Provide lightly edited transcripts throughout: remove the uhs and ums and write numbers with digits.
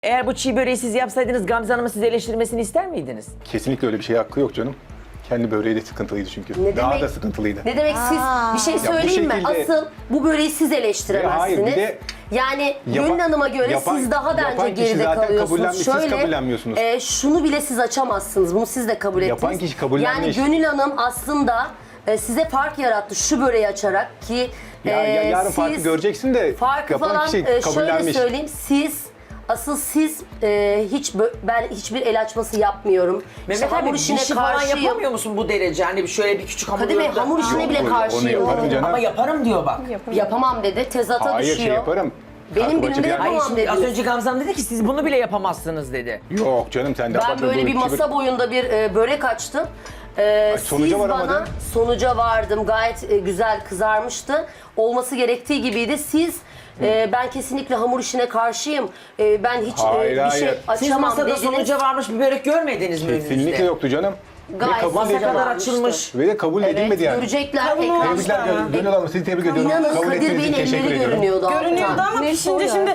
Eğer bu çiğ böreği siz yapsaydınız Gamze Hanım'ın sizi eleştirmesini ister miydiniz? Kesinlikle öyle bir şeye hakkı yok canım. Kendi böreği de sıkıntılıydı çünkü. Ne Daha demek? da sıkıntılıydı. Ne demek siz bir şey söyleyeyim mi? şekilde- Asıl bu böreği siz eleştiremezsiniz. Hayır, bir de yani yapan- Gönül Hanım'a göre yapan- siz daha bence yapan kişi geride zaten kalıyorsunuz. kabullenmiş, siz kabullenmiyorsunuz. Şunu bile siz açamazsınız. Bunu siz de kabul ettiniz. Yapan kişi kabullenmiş. Yani Gönül Hanım aslında size fark yarattı şu böreği açarak ki yarın siz farkı göreceksin de farkı yapan falan kişi şöyle kabullenmiş. söyleyeyim siz ben hiçbir el açması yapmıyorum. Mehmet İşte abi hamur bir işine şey falan karşıyım. yapamıyor musun bu derece? Hani şöyle bir küçük hamur Kadir Bey hamur işine bile Yok, karşıyım. onu yaparım canım. Ama yaparım diyor bak. Yapamam dedi. Tezata Hayır düşüyor. şey yaparım. Benim Kalkıp günümde açıp yer- yapamam. Hayır şimdi az dediniz. önce Gamze Hanım dedi ki siz bunu bile yapamazsınız dedi. Yok canım sen de Ben abartma, böyle bir böyle masa boyunda bir börek açtım. sonuca Siz bana varamadın. sonuca vardım. Gayet güzel kızarmıştı. Olması gerektiği gibiydi. Siz ben kesinlikle hamur işine karşıyım. Ben hiç Hayır, bir şey hayır. Siz açamam masada dediniz. sonuca varmış bir börek görmediniz mi önünüzde? Kesinlikle yoktu canım. Gayet Ve kabul Masa sonuca kadar varmıştı. açılmış. Ve de kabul edilmedi yani. Görecekler Kavun ekran. olmuş. Tebrikler Gönül Hanım, sizi tebrik ediyorum. İnanın Kabul Kadir ettiğiniz Bey'in için teşekkür elleri ediyorum. görünüyordu. Görünüyordu alttan. ama şimdi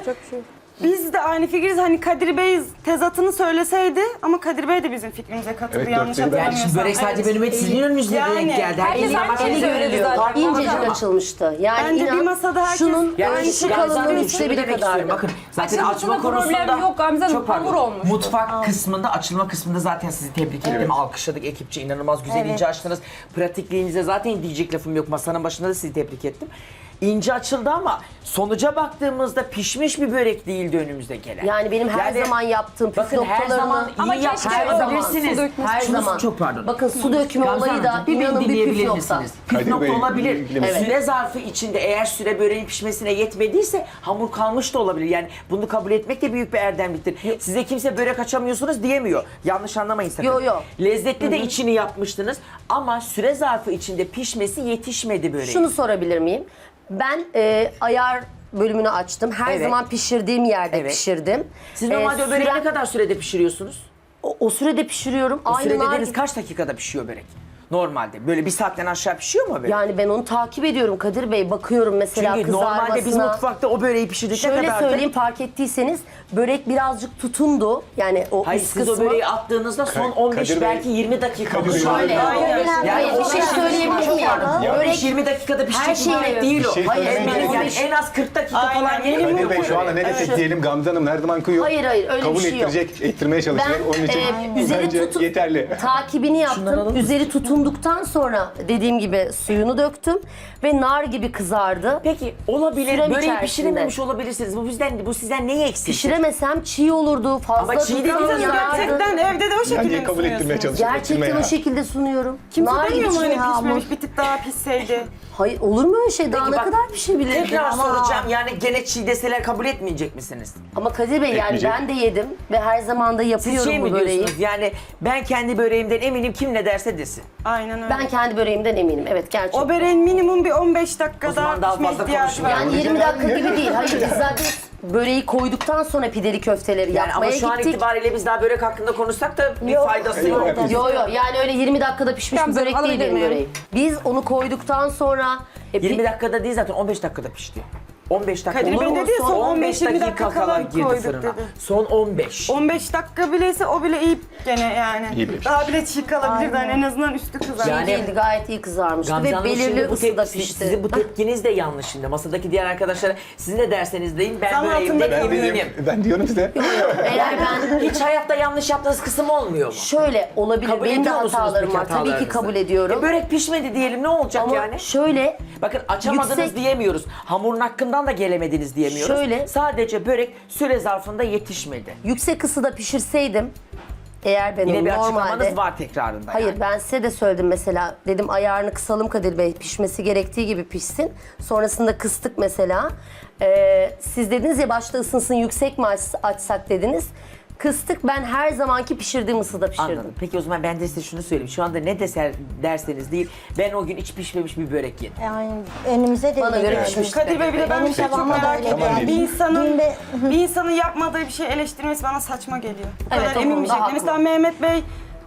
biz de aynı fikiriz. Hani Kadir Bey tezatını söyleseydi ama Kadir Bey de bizim fikrimize katıldı Evet, yanlış dörtte bir. Yani hatırlamıyorsam. şimdi börek sadece benim sizin önünüzde Yani, denk geldi. herkes Herkes aynı ama şeyi söylüyor zaten. İncecik Ama- açılmıştı. Yani Bence bir inan masada herkes- şunun Yani ölçü Gamze kalınlığı Hanım üçte şunu biri demek kadar. istiyorum. Bakın zaten Açılmasında açma konusunda problem yok Gamze Hanım, çok pardon. hamur olmuş. Mutfak kısmında, açılma kısmında zaten sizi tebrik ettim. Alkışladık ekipçe, inanılmaz güzel ince açtınız. Pratikliğinize zaten diyecek lafım yok. Masanın başında da sizi tebrik ettim. İnce açıldı ama sonuca baktığımızda pişmiş bir börek değildi önümüzde gelen. Yani benim her Yani zaman yaptığım püf bakın her zaman noktalarımı iyi Ama keşke yapabilirsiniz. su dökmesi. her Şunu- zaman. Çok pardon. Bakın su dökme Gamze olayı da Hanımcığım, bir inanın beni bir püf dinleyebilir nokta. misiniz? Püf Kadir nokta Bey, olabilir. ilgilenir. Süre zarfı içinde eğer süre böreğin pişmesine yetmediyse hamur kalmış da olabilir. Yani bunu kabul etmek de büyük bir erdemliktir. Size kimse börek açamıyorsunuz diyemiyor. Yanlış anlamayın sakın. Yo, yo. Lezzetli de içini yapmıştınız ama süre zarfı içinde pişmesi yetişmedi böreğin. Şunu sorabilir miyim? Ben ayar bölümünü açtım. Her Evet. zaman pişirdiğim yerde Evet. pişirdim. Siz normalde o böreği süren- ne kadar sürede pişiriyorsunuz? o sürede pişiriyorum. O süre nar dediğiniz gibi. kaç dakikada pişiyor börek? Normalde. Böyle bir saatten aşağı pişiyor mu börek? Yani ben onu takip ediyorum Kadir Bey. Bakıyorum mesela Çünkü kızarmasına. normalde biz mutfakta o böreği pişirdik ne Şöyle kadardı? söyleyeyim fark ettiyseniz börek birazcık tutundu. Yani o Hayır üst siz o kısmı. böreği attığınızda son 15 Kadir Bey- belki 20 dakika Kadir Bey- Şöyle. Yani bir şey söyleyebilir miyim? Börek 20 dakikada her pişecek şey bir börek değil o. Bir şey Hayır, söylemeye benim gerek yok. Yani en az 40 dakika Aynen. falan yeniliyor Kadir Bey bu şu anda börek. ne desek diyelim Gamze Hanım her zaman kıyıyor. Hayır, öyle Kabul bir şey yok. ettirecek, ettirmeye çalışacak. Ben, Onun için üzeri bence tutup- yeterli. takibini Şunları alır yaptım. mısın? Üzeri tutunduktan sonra dediğim gibi suyunu döktüm ve nar gibi kızardı. Peki olabilir. Süren Böreği içerisinde. pişirememiş olabilirsiniz. Bu sizden neyi eksik? Pişiremesem çiğ olurdu. Fazla Ama çiğ tutan dediğiniz yanardı. Gerçekten evde de o şekilde Bence mi kabul ettirmeye sunuyorsunuz? çalışacak. Gerçekten ettirmeye o ya. şekilde sunuyorum. Kimse Nar demiyor mu gibi hani çiğ hamur. pişmemiş bir tık daha pişseydi? Hayır olur mu öyle şey? Daha Peki ne bak, kadar pişebilir? Tekrar soracağım. Yani gene çiğ deseler kabul etmeyecek misiniz? Ama Kadir Bey yani Etmeyecek. ben de yedim ve her zaman da Siz yapıyorum şey bu mi böreği. diyorsunuz? Yani ben kendi böreğimden eminim kim ne derse desin. Aynen öyle. Ben kendi böreğimden eminim. Evet gerçekten. O böreğin minimum bir 15 O dakika zaman daha daha pişme fazla ihtiyacı var. konuşmayalım. Yani 20 dakika gibi değil. Hayır biz zaten böreği koyduktan sonra pideli köfteleri Yani yapmaya ama şu an gittik. itibariyle biz daha börek hakkında konuşsak da bir faydası yok. Evet. Yo yani öyle 20 dakikada pişmiş bir Gamze, börek değil alabilir benim miyim? böreğim. Biz onu koyduktan sonra 20 dakikada değil zaten 15 dakikada pişti. 15 dakika Kadir olur Bey mu? dedi ya, son 15-20 dakika kala kala girdi koyduk fırına. dedi. Son 15. 15 dakika bileyse o bile iyi gene yani. İyi bile Daha bile çiğ kalabilirdi hani en azından üstü kızar. Yani- değildi gayet iyi kızarmıştı Gamze ve Hanım, belirli şimdi bu ısıda tepki- pişti. Sizin bu tepkiniz de yanlış şimdi. Masadaki diğer arkadaşlara sizin de derseniz deyin ben Zam böreğimden altında eminim. Ben diyorum size. Eğer ben Hiç hayatta yanlış yaptığınız kısım olmuyor mu? şöyle olabilir Kabul benim de ediyor musunuz hatalarım peki var. Tabii ki hatalarınızı? kabul ediyorum. Börek pişmedi diyelim ne olacak Ama yani? şöyle Bakın açamadınız yüksek- diyemiyoruz. Hamurun hakkından da gelemediniz diyemiyoruz. Şöyle- Sadece börek süre zarfında yetişmedi. yüksek ısıda pişirseydim eğer benim Yine bir normalde açıklamanız var tekrarında. Hayır yani. ben size de söyledim mesela. Dedim ayarını kısalım Kadir Bey. Pişmesi gerektiği gibi pişsin. Sonrasında kıstık mesela. Siz dediniz ya başta ısınsın yüksek mi açsak dediniz. Kıstık ben her zamanki pişirdiğim ısıda pişirdim. Anladım. Peki o zaman ben de size şunu söyleyeyim. Şu anda ne derseniz değil. Ben o gün hiç pişmemiş bir börek yedim. Yani önümüze de Bana öyle göre geldi. pişmiş. Kadir Bey bir de ben Benim bir şey çok tabağıma da merak öyle ediyorum. geldi. Bir insanın yapmadığı bir şey eleştirmesi bana saçma geliyor. Bu Evet, kadar o emin bir konuda şekilde. haklı. Mesela Mehmet Bey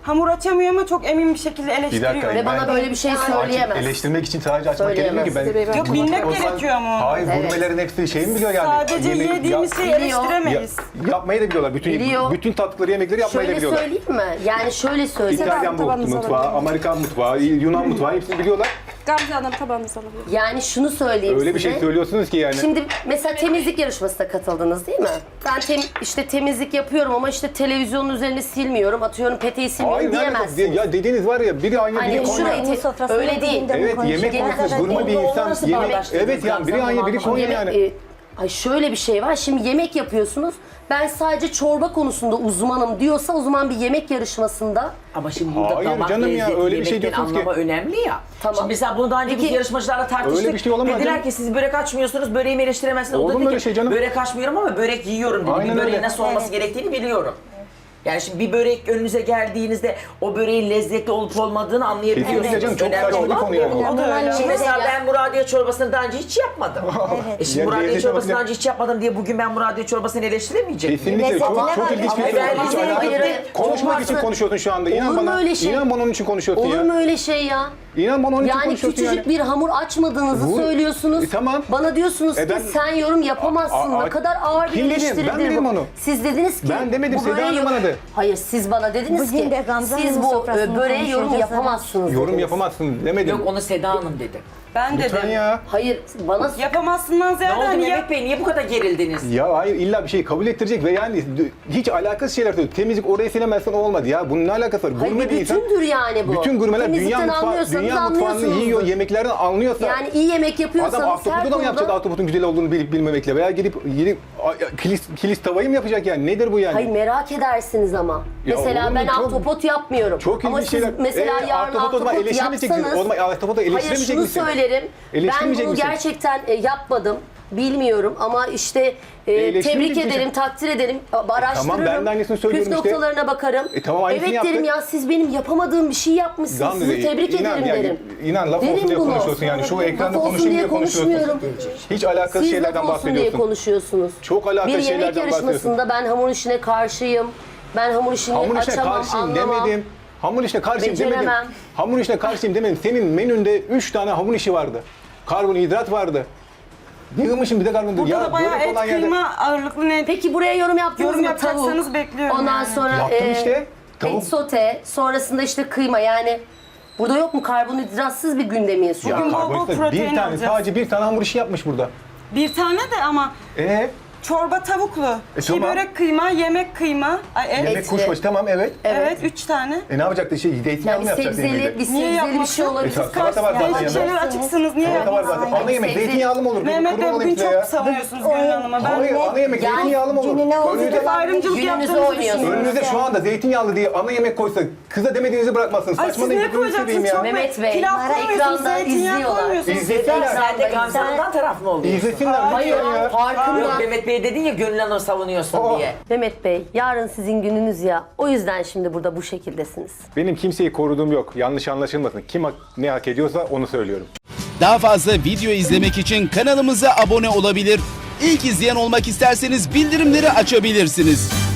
hamur açamıyor ama çok emin bir şekilde eleştiriyor. Ve bana böyle bir şey söyleyemez. Eleştirmek için sadece açmak Söyleyemez. gerekmiyor ki. Ben Yok, bilmek O zaman- gerekiyor ama. Hayır, gurmelerin hepsi şey mi biliyor yani? Sadece Yemek- yediğimiz şeyi eleştiremeyiz. Yapmayı da biliyorlar. Biliyor. Bütün tatlıları, yemekleri yapmayı da Şöyle biliyorlar. söyleyeyim mi? Yani şöyle söyleyeyim. İtalyan mutfağı, Amerikan mutfağı, Yunan mutfağı hepsini biliyorlar. Gamze Hanım tabağınızı alabilir. Yani şunu söyleyeyim Öyle bir size. şey söylüyorsunuz ki yani. Şimdi mesela temizlik yarışmasına katıldınız değil mi? Ben işte temizlik yapıyorum ama işte televizyonun üzerine silmiyorum, atıyorum peteği silmiyorum Hayır, diyemezsiniz. ya dediğiniz var ya, biri aynı biri Hani Konya. şurayı öyle değil. Evet, yemek konusunda gurme bir insan. Nasıl Yemek, bağdaştırdınız evet yani biri Gamze aynı biri Hanım? Konya yani. Ay şöyle bir şey var. Şimdi yemek yapıyorsunuz. Ben sadece çorba konusunda uzmanım diyorsa o zaman bir yemek yarışmasında Ama şimdi burada Hayır damak canım ya, lezzeti, öyle bir şey yemekleri diyorsunuz ki. anlama önemli ya. Tamam. Şimdi mesela bunu daha önce biz Peki- yarışmacılarla tartıştık. Öyle bir şey olamaz Dediler canım. ki siz börek açmıyorsunuz, böreğimi eleştiremezsiniz. O Olur da mu dedi öyle ki şey canım? börek açmıyorum ama börek yiyorum dedi. Aynen Bir böreğin öyle. nasıl olması gerektiğini biliyorum. Yani şimdi bir börek önünüze geldiğinizde o böreğin lezzetli olup olmadığını anlayabiliyorsunuz. Kesinlikle canım, çok Önemli saçma bir olan konu yani. bu. O da öyle. Şimdi mesela Ya. ben Muradiye çorbasını daha önce hiç yapmadım. Şimdi Yani Muradiye lezzeti çorbasını bakın- daha önce hiç yapmadım diye bugün ben Muradiye çorbasını eleştiremeyecek miyim? Kesinlikle çok ilginç bir Ama soru. ben Hiç bize- alakası hayır, yok. Konuşmak olmazsa- için konuşuyorsun şu anda. İnan Olur mu bana. öyle şey? İnan bana onun için konuşuyorsun olur ya. mu öyle şey ya? İnan bana onun için Yani konuşuyorsun küçücük yani. bir hamur açmadığınızı Bu- söylüyorsunuz. Tamam. Bana diyorsunuz ki ben- sen yorum yapamazsın. Ne kadar ağır bir Kim dedi? eleştiridir Ben dedim bu. onu. Siz dediniz ki Ben demedim, bu Seda böreği Hanım bana de. Hayır, siz bana dediniz Bugün ki de Gamze siz Hanım'ın bu sofrasını böreğe yorum konuşacağız. yapamazsınız. Yorum dediniz. yapamazsın demedim. Yok onu Seda Hanım dedi. Ben Lütfen dedim. ya. Hayır, bana Yapamazsından Ne ziyade oldu hani Mehmet Bey niye bu kadar gerildiniz? Ya hayır, illa bir şeyi kabul ettirecek ve yani hiç alakasız şeyler söylüyor. Temizlik orayı silemezsen olmadı ya. Bunun ne alakası var? Hayır, Gurme bir bir insan. bütündür yani bu. Bütün gurmeler Temizlikten anlıyorsanız dünya mutfağını anlıyorsunuzdur. yiyor, yemeklerden anlıyorsa. Yani iyi yemek yapıyorsanız Adam her ahtapotla da mı konuda... yapacak ahtapotun güzel olduğunu bilip bilmemekle veya gidip kilis tavayı mı yapacak yani? Nedir bu yani? Hayır, merak edersiniz ama. Ya Mesela olur mu? ben Çok- ahtapot yapmıyorum. Çok ama ilginç siz şeyler. mesela yarın Ahtapot o zaman ahtapot eleştirmeyeceksiniz. yapsanız... O zaman ahtapotu Hayır, eleştiremeyecek şunu misin? söylerim. Ben Eleştirmeyecek bunu misin? gerçekten yapmadım. Bilmiyorum ama işte tebrik eleştirmeyeceksin. ederim, takdir ederim, araştırırım. Tamam, ben de aynısını söylüyorum Püf işte. noktalarına bakarım. Tamam, aynısını evet yaptık. derim ya, siz benim yapamadığım bir şey yapmışsınız. Gamze, Sizi tebrik inan ederim yani, derim. İnan laf Derim olsun diye bunu. konuşuyorsun yani. Şu ekranda Laf olsun konuşayım diye diye konuşuyorsun. konuşmuyorum. Hiç alakasız Siz şeylerden laf olsun diye bahsediyorsun. konuşuyorsunuz. Çok alakasız Bir yemek şeylerden yarışmasında ben hamur işine karşıyım. Ben hamur işini Hamur işine açamam, karşıyım anlamam. demedim. Hamur işine karşıyım demedim. Beceremem. Hamur işine karşıyım demedim. Senin menünde 3 tane hamur işi vardı. Karbonhidrat vardı. Yığmışım bir de karbonhidrat. burada da bayağı börek et, olan yerde- kıyma ağırlıklı ne? Peki buraya yorum yaptınız Yorum mı? yapacaksanız Tavuk. bekliyorum Ondan yani. sonra Yaptım işte. Tavuk. et sote, sonrasında işte kıyma, yani burada yok mu karbonhidratsız bir gündemiyiz şu Ya an? Bugün bol bol karbonhidrat protein bir tane, alacağız. sadece bir tane hamur işi yapmış burada. Bir tane de ama çorba tavuklu, tamam. börek kıyma, yemek kıyma, ay, et. Yemek Etli. kuşbaşı tamam evet. Evet, 3 tane. Ne yapacaktı zeytinyağlı Yani mı yapacaktı sebzeli, yemeği? bir Niye sebzeli bir şey yapmasın? olabilir. E, salata var zaten Değişik yanında. şeyler açıksınız. Niye Salata var yapmasın? zaten. Ana yemek sebzeli- zeytinyağlı mı olur? Mehmet Kurban Bey olayım bugün size çok ya. savunuyorsunuz Gönül Hanım'a. Ben Hayır, ana yemek Yani zeytinyağlı mı olur? gününe oldu Önünüze, da- ayrımcılık Gününüzü yaptığınızı oynuyorsunuz. düşünüyorum. önünüze şu anda zeytinyağlı diye ana yemek koysa kıza demediğinizi bırakmazsınız. Ay siz Saçmalayın, ne gözünü seveyim koyacaksınız? Çok ya. Mehmet Bey, pilav koymuyorsunuz, ekranda zeytinyağı izliyorlar. koymuyorsunuz. İzlesinler. Sen de Gamze Hanım'dan taraf mı oluyorsun? İzlesinler. Hayır, lütfen ya. farkında. Yok Mehmet Bey dedin ya Gönül Hanım savunuyorsun Aa. diye. Mehmet Bey, yarın sizin gününüz ya. O yüzden şimdi burada bu şekildesiniz. Benim kimseyi koruduğum yok. Yanlış anlaşılmasın. Kim ne hak ediyorsa onu söylüyorum. Daha fazla video izlemek için kanalımıza abone olabilir. İlk izleyen olmak isterseniz bildirimleri açabilirsiniz.